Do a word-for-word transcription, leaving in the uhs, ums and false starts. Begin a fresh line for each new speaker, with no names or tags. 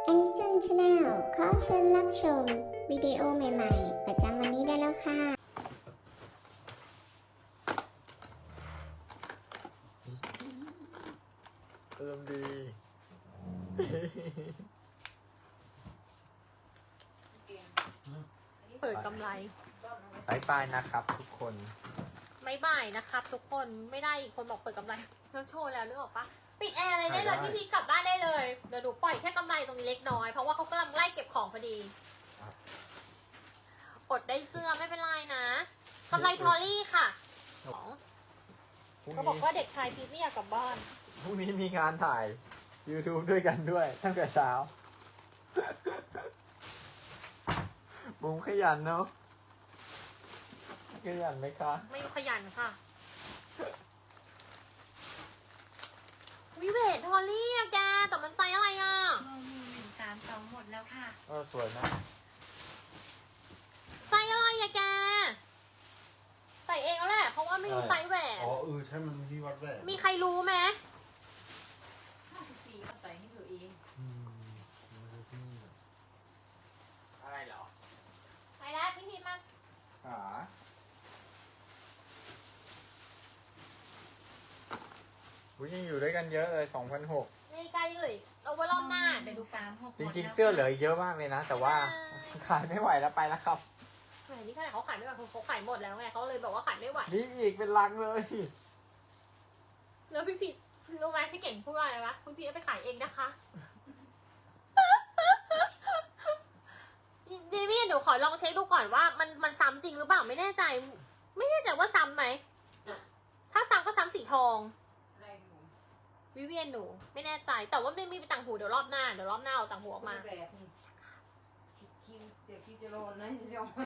แองเจิลชาแนลขอเชิญรับชมวิดีโอใหม่ๆประจำวันนี้ได้แล้วค่ะ
อารมณ์ดี
เปิดกำไร
บายบายนะครับทุกคน
ไม่บ่ายนะครับ ทุกคนไม่ได้อีกคนบอกเปิดกำไรแล้วโชว์แล้วนึกออกปะปิดแอร์เลยได้เลยพี่พีกลับบ้านได้เลยเดี๋ยวหนูปล่อยแค่กำไรตรงนี้เล็กน้อยเพราะว่าเขากำลังไล่เก็บของพอดีอดได้เสื้อไม่เป็นไรนะกำไรทอรี่ค่ะสอง
พรุ่ง
เขาบอก
นี้
ว่าเด็กชายพีทไม่อยากกลับบ้าน
พรุ่งนี้มีงานถ่าย YouTube ด้วยกันด้วยตั้งแต่เช้า บุ้มขยันเนาะขยันไหมคะ
ไม่ขยันค่ะวิเวททอรี่อะแกแต่มันไซส์อะไรอะ
เบอร์มูหนึ่งสามสองหมดแล้วค่ะ
เออสวยนะ
ไซส์อะไรอะแกใส่เองแล้วแหละเพราะว่าไม่รู้ไซส์แหวน
อ๋อเออใช่มันที่วัดแหวน
มีใครรู้ไหม
ห้าสิบสี่มาใส่ให้ตัวเอง
อืมไม่ใช่ที่นี่หรอก
อะไรเหรอ
ไปแล้วพี่พีทมา
ขาอุ้ยยังอยู่ด้วยกันเยอะเลยสองพันหก
ในไกลเลยเอาไว้รอบหน้าเดี๋ยวดู
สามหก
จริงๆเสื้อเหลือเยอะมากเลยนะ แต่ว่าขายไม่ไหวแล้วไปแล้วครับ
แหมนี่ขนาดเขาขายไม่ไหวเขาขายหมดแล้วไงเขาเลยบอกว่าขายไม่ไหว
นี่อีกเป็นลังเลย
แล้วพี่พีทรู้ไหมพี่เก่งพูดว่าอะไรวะคุณพีทเอาไปขายเองนะคะเดมี่เดี๋ยวขอลองเช็คดูก่อนว่ามันมันซ้ำจริงหรือเปล่าไม่แน่ใจ ไม่แน่ใจว่าซ้ำไหมถ้าซ้ำก็ซ้ำสีทอง
อะไรหนู
วิเวียนหนูไม่แน่ใจ แต่ว่าไม่มีต่างหูเดี๋ยวรอบหน้าเดี๋ยวรอบหน้าเอาต่างหูออกมา
แบบนี้คิวเดี๋ยวคิวจะโดนนะจะโดน